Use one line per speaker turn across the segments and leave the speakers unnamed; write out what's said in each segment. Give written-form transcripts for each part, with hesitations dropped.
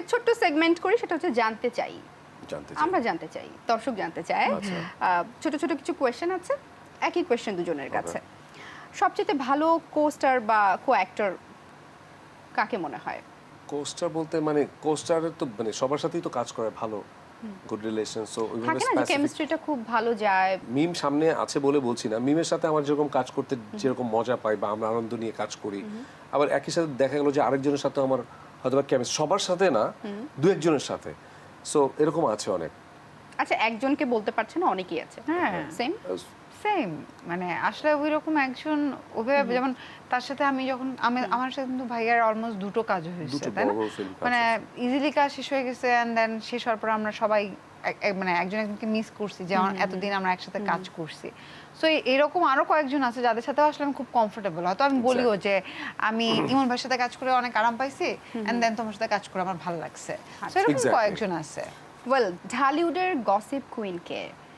ছোট্ট সেগমেন্ট করি, সেটা হচ্ছে জানতে চাই।
জানতে
আমরা জানতে চাই, দর্শক জানতে চায়। ছোট ছোট কিছু কোয়েশ্চেন আছে, একই কোয়েশ্চেন দুজনের কাছে। সবচেয়ে ভালো কোস্টার বা কো অ্যাক্টর কাকে মনে হয়?
কোস্টার বলতে মানে কোস্টারের তো মানে সবার সাথেই তো কাজ করে ভালো, গুড রিলেশন, সো ওইভাবে
থাকে না যে
স্পেসিফিক
কেমিস্ট্রিটা খুব ভালো যায়।
মিম সামনে আছে বলে বলছি না, মিমের সাথে আমার যেরকম কাজ করতে যেরকম মজা পাই বা আমরা আনন্দ নিয়ে কাজ করি, আবার একই সাথে দেখা গেল যে আরেকজনের সাথে আমার হয়তো বা কেমিস্ট্রি, সবার সাথে না, দু একজনের সাথে, সো এরকম আছে অনেক।
আচ্ছা, একজনকে বলতে পারছে না, অনেকেই আছে।
হ্যাঁ
সেম
সেম, মানে আসলে ওই রকম একজন ওভাবে, যেমন তার সাথে আমি যখন আমার সাথে কিন্তু ভাইয়ার অলমোস্ট দুটো কাজ হয়েছে,
দুটো
তাই না?
বড় film কাজ
মানে
হয়েছে।
ইজিলি কাজ শেষ হয়ে গেছে, এন্ড দেন শেষ হওয়ার পর আমরা সবাই মানে একজন একজনকে মিস করছি যে এতদিন আমরা একসাথে কাজ করছি। সো এরকম আরো কয়েকজন আছে যাদের সাথে আসলে আমি খুব কমফোর্টেবল। হয়তো আমি বলিও যে আমি ইমন ভাইয়ের সাথে কাজ করে অনেক আরাম পাইছি, এন্ড দেন তোমার সাথে কাজ করে আমার ভালো লাগছে। সো এরকম
Exactly.
কয়েকজন আছে।
ওয়েল, ঢালিউডের গসিপ কুইন কে?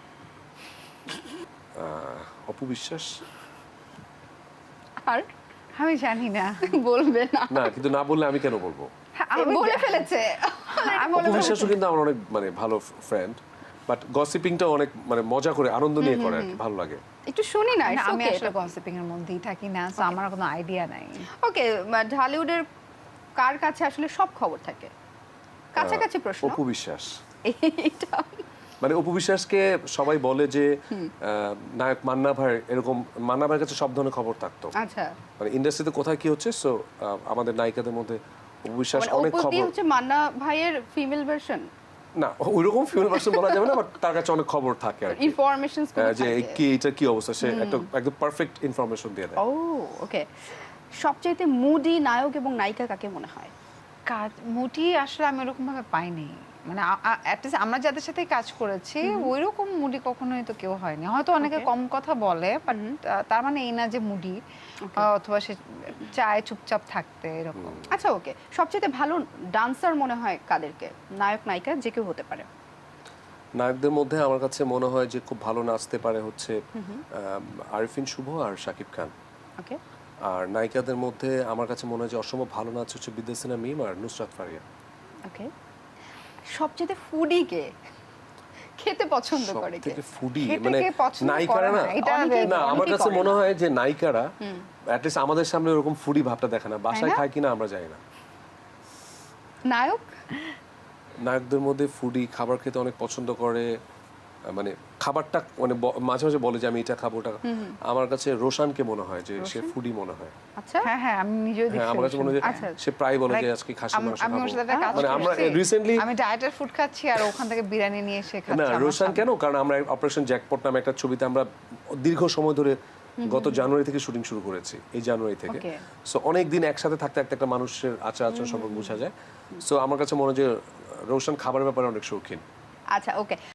অপবিশ্বাস।
আর
আমি জানি না।
বলবে না?
না, কিন্তু না বললে আমি কেন বলবো?
বলে ফেলেছে।
অপবিশ্বাসও কিন্তু আমার অনেক মানে ভালো ফ্রেন্ড, বাট গসিপিংটা অনেক মানে মজা করে আনন্দ নিয়ে করে আর কি, ভালো লাগে।
একটু শুনি না।
না, আমি আসলে গসিপিং এর মধ্যেই থাকি না, সো আমার কোনো আইডিয়া নাই।
ওকে, ঢালিউডের কার কাছে আসলে সব খবর থাকে? কাছাকাছি প্রশ্ন।
অপবিশ্বাস।
এটা
মানে অপবিশ্বাসকে সবাই বলে যে নায়ক মান্না ভাই, এরকম মান্না ভাইয়ের কাছে সব ধরনের খবর থাকতো।
আচ্ছা,
মানে ইন্ডাস্ট্রিতে কোথায় কি হচ্ছে, সো আমাদের নায়িকাদের মধ্যে অপবিশ্বাস
মানে
অনেক
অপু দি
খবর।
হচ্ছে মান্না ভাইয়ের ফিমেল ভার্সন।
না, ওইরকম ফিমেল ভার্সন বলা যাবে না, বাট তার কাছে অনেক খবর থাকে আর কি।
ইনফরমেশনস
যে কি এটা কি অবস্থা, সে একটা একদম পারফেক্ট ইনফরমেশন দিয়ে দেয়।
ও ওকে। সবচেয়ে মুডি নায়ক এবং নায়িকা কাকে মনে হয়?
কাজ মুটি আসলে আমি ওরকম ভাবে পাইনি, মানে অ্যাটলিস্ট আমরা যাদের সাথে কাজ করেছি ওইরকম মুডি কখনোই তো কেউ হয়নি। হয়তো অনেকে কম কথা বলে, বাট তার মানে এই না যে মুডি, অথবা সে চায় চুপচাপ থাকতে এরকম।
আচ্ছা ওকে, সবচেয়ে ভালো ডান্সার মনে হয় কাদেরকে? নায়ক নায়িকা যে কেউ হতে পারে।
নায়কদের মধ্যে আমার কাছে মনে হয় যে খুব ভালো নাচতে পারে হচ্ছে আরিফিন শুভ আর শাকিব খান।
ওকে।
আর নায়িকাদের মধ্যে আমার কাছে মনে হয় যে অসম্ভব ভালো নাচ হচ্ছে বিদ্যাসিনা মিম আর নুসরাত ফারিয়া।
ওকে। সবচেয়ে ফুডি কে? খেতে পছন্দ করে কে?
সবথেকে ফুডি
খেতে
মানে
কে পছন্দ
নায়িকারা
করে
না,
না, এটা
না আমার
অনেকেই
কাছে
করে
মনে
না।
হয় যে নায়িকারা অ্যাটলিস্ট আমাদের সামনে ওরকম ফুডি ভাবটা দেখে না, বাসায়
না?
খায় কিনা আমরা জানি না।
নায়ক?
নায়কদের মধ্যে ফুডি, খাবার খেতে অনেক পছন্দ করে, মানে খাবারটা মানে মাঝে মাঝে বলে যে আমি এটা খাবো ওটা। আমার কাছে রোশানকে মনে হয় যে সে ফুডি মনে হয়।
আচ্ছা।
হ্যাঁ হ্যাঁ, আমি নিজেও
হ্যাঁ, আমার কাছে মনে হয় যে
আচ্ছা।
সে প্রায় বলে যে
Like,
আজকে খাসি মাংস
আমি ওর
খাবো।
সাথে একটা কাজ
মানে আমরা
করছি,
রিসেন্টলি
আমি ডায়েটের ফুড খাচ্ছি আর ওখান থেকে বিরিয়ানি নিয়ে এসে খাচ্ছি।
না,
আমার
রোশান
সামনে।
কেন, কারণ আমরা অপারেশন জ্যাকপট নামে একটা ছবিতে আমরা দীর্ঘ সময় ধরে গত জানুয়ারি থেকে শুটিং শুরু করেছি, এই জানুয়ারি থেকে।
Okay.
সো অনেক দিন একসাথে থাকতে থাকতে একটা মানুষের আচার আচরণ সম্পর্কে বোঝা যায়। সো আমার কাছে মনে হয় যে রোশান খাবারের ব্যাপারে অনেক শৌখিন।
আচ্ছা ওকে।